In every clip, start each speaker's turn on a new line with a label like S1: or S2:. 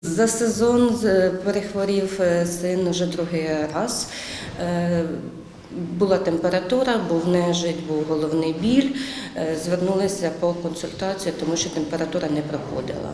S1: За сезон перехворів син вже другий раз. Була температура, був нежить, був головний біль. Звернулися по консультацію, тому що температура не проходила.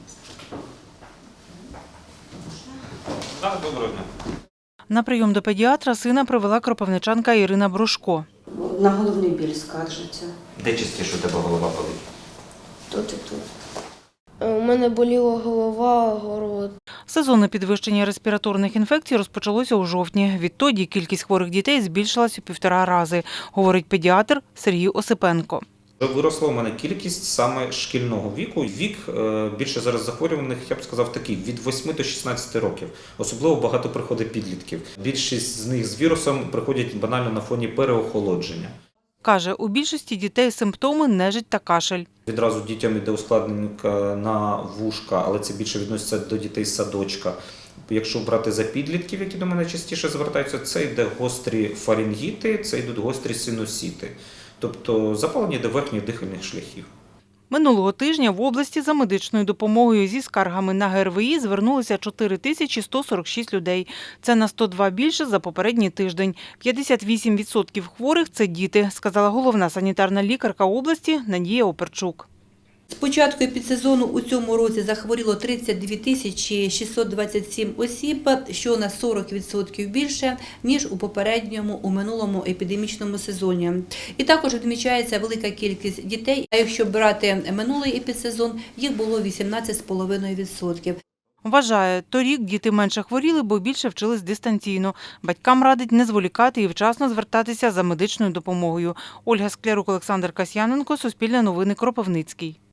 S2: Доброго дня.
S3: На прийом до педіатра сина привела кропивничанка Ірина Брошко.
S1: На головний біль скаржиться.
S2: Де частіше у тебе голова болить?
S1: Тут і тут.
S4: У мене боліла голова, горло.
S3: Сезонне підвищення респіраторних інфекцій розпочалося у жовтні. Відтоді кількість хворих дітей збільшилась у 1,5 рази, говорить педіатр Сергій Осипенко.
S2: Виросла у мене кількість саме шкільного віку. Вік більше зараз захворюваних, я б сказав, такий, від 8 до 16 років. Особливо багато приходить підлітків. Більшість з них з вірусом приходять банально на фоні переохолодження.
S3: Каже, у більшості дітей симптоми нежить та кашель.
S2: Відразу дітям йде ускладнення на вушка, але це більше відноситься до дітей з садочка. Якщо брати за підлітків, які до мене частіше звертаються, це йде гострі фарингіти, це йдуть гострі синусіти. Тобто запалення до верхніх дихальних шляхів.
S3: Минулого тижня в області за медичною допомогою зі скаргами на ГРВІ звернулися 4146 людей. Це на 102 більше за попередній тиждень. 58% хворих – це діти, сказала головна санітарна лікарка області Надія Оперчук.
S5: З початку епідсезону у цьому році захворіло 32 тисячі 627 осіб, що на 40% більше, ніж у минулому епідемічному сезоні. І також відмічається велика кількість дітей, а якщо брати минулий епідсезон, їх було 18,5%.
S3: Вважає, торік діти менше хворіли, бо більше вчились дистанційно. Батькам радить не зволікати і вчасно звертатися за медичною допомогою. Ольга Склярук, Олександр Касьяненко, Суспільне новини, Кропивницький.